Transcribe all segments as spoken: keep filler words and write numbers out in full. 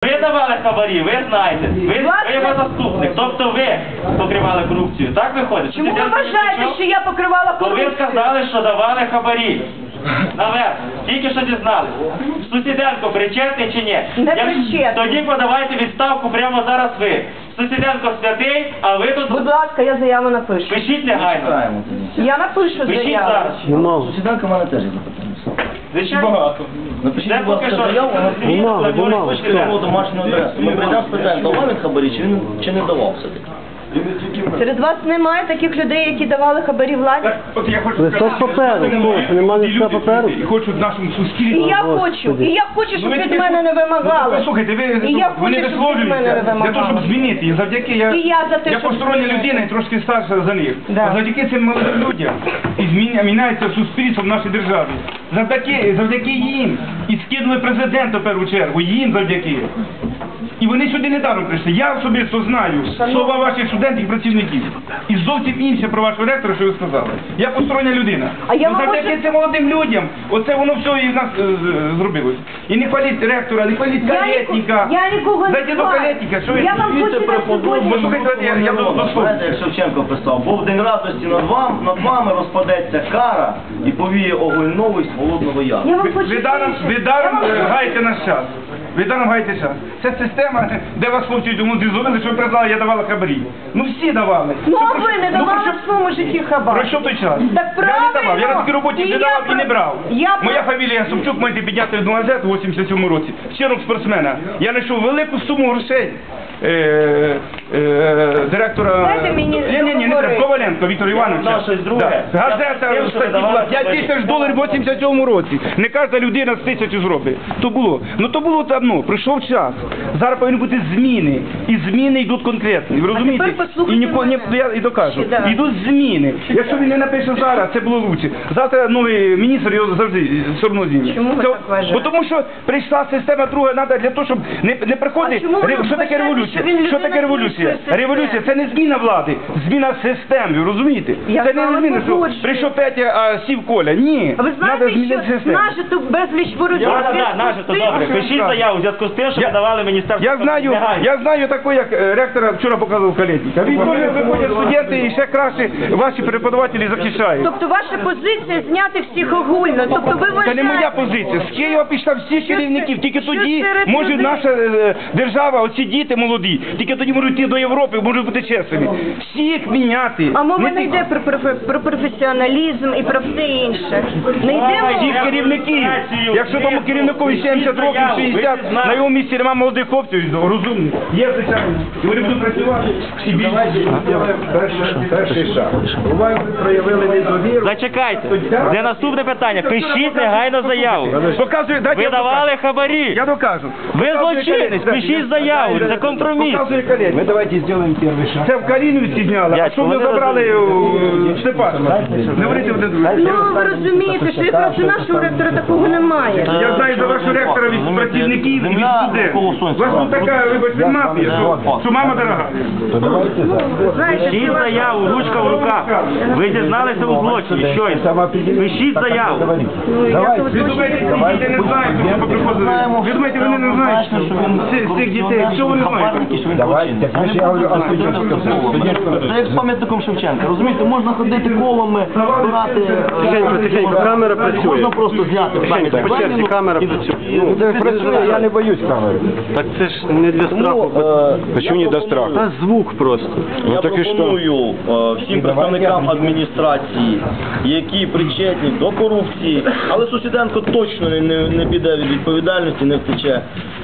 ви давали хабарі, ви знаєте. Ви, ви його заступник. Тобто ви покривали корупцію. Так виходить? Чому ви вважаєте, що я покривала Бо корупцію? ви сказали, що давали хабарі. Наверх. Тільки що дізнались. Сусіденко причетний чи ні? Не Як- причетний. Тоді подавайте відставку прямо зараз ви. Сусіденко святий, а ви тут Будь ласка, я заяву напишу. пишіть негайно. Чекаємо тоді. Я напишу Пишіть заяву. зараз. Сусіденко в мене теж є запитання. Звичайно. Напишіть, Це будь поки ласка, що. заяву, вона Звісно, Мало, так може мало. бути його так. домашню адресу. Ми прийдемо спитаємо, давав він хабарі, чи він чи не давав все-таки. Серед вас немає таких людей, які давали хабарі владі? От я хочу Листок паперу, хто? Нема листка паперу? І хочуть в нашому І суспільстві. я Господи. хочу, і я хочу, щоб Ну, ви від таки- мене не Ну, вимагали. послухайте, ви І я вони хочу, щоб від мене висловлюються не для того, щоб вимагали. змінити. І завдяки я, І я за те, я щоб постороння змінити. людина і трошки старша за них. Да. А завдяки цим молодим людям і зміня- міняється суспільство в нашій державі. Завдяки, завдяки їм. І скинули президента в першу чергу. Їм завдяки. І вони сюди не даром прийшли. Я особисто знаю слова ваших студентів і працівників. І зовсім інше про вашого ректора, що ви сказали. Я постороння людина. А я Ну, вам завдяки можу- цим молодим людям, оце воно все і в нас е, з- зробилось. І не хваліть ректора, не хваліть Я калєтника. ніко- я нікого не Зайдіть до хвалю. калєтника, що ви? Я вам хочу на сьогодні- Послухайте, я, я до, до слова. Знаєте, як Шевченко писав, бо в день радості над вами, над вами розпадеться кара і повіє огонь новий з холодного яру. Я вам Ви, хочу ви даром, більше. ви Я даром вам е, хочу- гаєте наш час. Ви даром гаєте час. Це система, де вас хлопці тому зрозуміли, що ви признали, я давала хабарі. Ну всі давали. Ну, Що а про- ви не ну, про давали що- в своєму житті хабар? Пройшов той час. Так Я не давав, я на правильно. такій роботі І не я давав і не про- брав. я Моя про- фамілія Собчук, можете підняти одну газету у вісімдесят сьомому році. Щирок спортсмена. Я знайшов велику суму грошей. Е, е, директора Дайте мені ні, ні, ні, не треба. договорити. Коваленко Віктора Івановича. знав щось друге. Да. Я Газета хотів, в щоб статті давали була п'ять хабарі. тисяч доларів в вісімдесят сьомому році. Не кожна людина з тисячу зробить. То було. Ну то було давно. Прийшов час. Зараз повинні бути зміни. І зміни йдуть конкретні. Ви розумієте? тепер послухайте І ніко, ні, мене. я і докажу. Ще, да. Йдуть зміни. Якщо він не напише зараз, це було лучше. Завтра новий міністр його завжди все одно змінить. Чому ви Це- так вважаєте? Бо тому що прийшла система друга, треба для того, щоб не, не приходить. А чому ви Ре- Що таке вважаєте, революція? що він Що людина таке революція? іншої системи? Революція це не зміна влади, зміна систем, ви розумієте? Я це з вами не зміна, що погоджуюсь. прийшов Петя, а сів Коля. Ні. А ви Треба знаєте, змінити що систему. нажито безліч ворожих Так, так, зв'язку наше, з то тим, добре. що- Пишіть заяву в зв'язку з тим, що Я- ви давали міністерство. Я знаю, Негайно. я знаю такого, як е, ректора вчора показував Калєтніка. Він дуже виходять студенти і ще краще ваші преподавателі захищають. Тобто ваша позиція зняти всіх огульно. Тобто ви Це вважаєте... не моя позиція. З Києва пішла всіх Що керівників. це- Тільки що тоді серед може людей? наша е, держава, оці діти молоді, тільки тоді можуть йти до Європи, можуть бути чесними. Всіх міняти. А мова Не не тільки- йде про, про, про професіоналізм і про все інше. Не йде Всіх мова. керівників. Якщо тому керівникові сімдесят років, шістдесят, на його місці немає молодих хлопців, розумних. Є, звичайно. І вони будуть працювати. І більше. Перший, перший шаг. Буває, ви проявили недовіру. Зачекайте. Де наступне питання? Пишіть негайно заяву. Показує, дайте Ви я давали докажу. хабарі. Я докажу. Ви Показує злочинець, Калєтніка. пишіть заяву, це компроміс. Показує Калєтніка. Мы давайте сделаем первый шаг. Це в Каліновці зняли, а Дядько, що ви вони забрали у Степана? Не говорите один другий. Ну, ви розумієте, що якраз у нашого ректора такого немає. Я знаю за вашого ректора від працівників і від студентів. У вас тут така, вибачте, мафія, що, що мама дорога. То давайте за. Знаєте, Пишіть що ваш- заяву, ручка в руках. Ви дізналися у злочині. Щойно. Пишіть заяву. Ну, я Давайте. тут Ви злочин думаєте, не ці діти не знають, що ви приходили? Ви думаєте, вони не знають цих- цих дітей? Що вони знають? Давайте. Так ви ж я говорю о студентському. студентському. Це як з пам'ятником Шевченка. Розумієте, можна ходити колами, збирати... е, Тихенько, тихенько, камера працює. Можна просто зняти пам'ятник по черзі Леніну камера і- працює. і- Ну, це працює, я не боюсь камери. Так це ж не для Тому, страху. е, Почему я не до пропоную- страху? Та звук просто. Я Ну так і що? пропоную е, всім представникам адміністрації, які причетні до корупції, але Сусіденко точно не, не, не піде від відповідальності, не втече.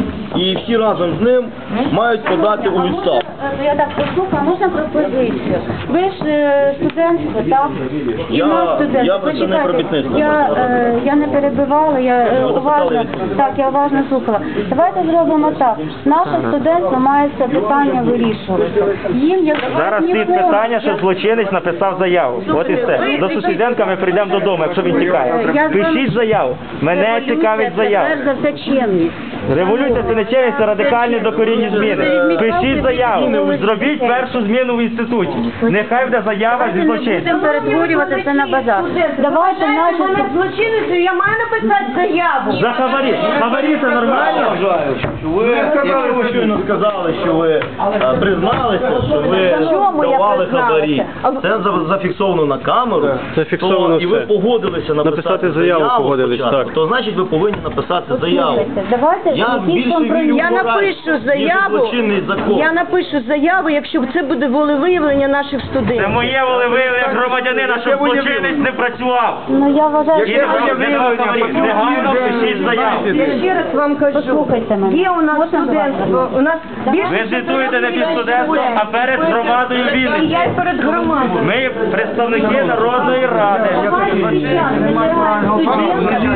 І всі разом з ним мають подати у відставку. Е, Я так послухаю, можна пропозицію? Ви ж е, студентство, так? І Я- наш студент. я представник Почекайте, робітництва. Я, е, я не перебивала, я е, Ви уважно, запитали, так, я уважно слухала. Давайте зробимо так. Наше студентство має це питання вирішувати. Їм як Зараз стоїть питання, що злочинець написав заяву. От і все. До Сусіденка ми прийдемо додому, якщо він тікає. Я з вами- Пишіть заяву. Мене Революція цікавить це заява. перш за все чемність. Революція це нечесність, це радикальні докорінні зміни. Пишіть заяву, зробіть першу зміну в інституті. Нехай буде заява зі злочинцем. Будемо перетворювати це на базар. Давайте наші... злочинницею, я маю написати заяву. За хабарі. Хабарі це нормально? Ви, якщо ви щойно сказали, що ви е, призналися, що ви Чому я давали призналася? хабарі, це за- зафіксовано на камеру, Зафіксовано то, і ви все. погодилися написати, Написати заяву погодились, спочатку, так. то значить ви повинні написати заяву. Давайте Я якийсь більше компроміс. вірю Я в мораль, напишу ніж у заяву. злочинний закон. Я напишу заяву, якщо це буде волевиявлення наших Це студентів. моє волевиявлення громадянина, щоб злочинець не працював. Ну я вважаю, І що... не давав хабарі. Негайно пишіть заяву. Я ще раз вам кажу, Послухайте мене. є у нас Можна студентство, у нас більше... Ви звітуєте не під студентством, а перед громадою І я Вінниці. й перед громадою. Ми представники Народної Ради. Давайте зараз, не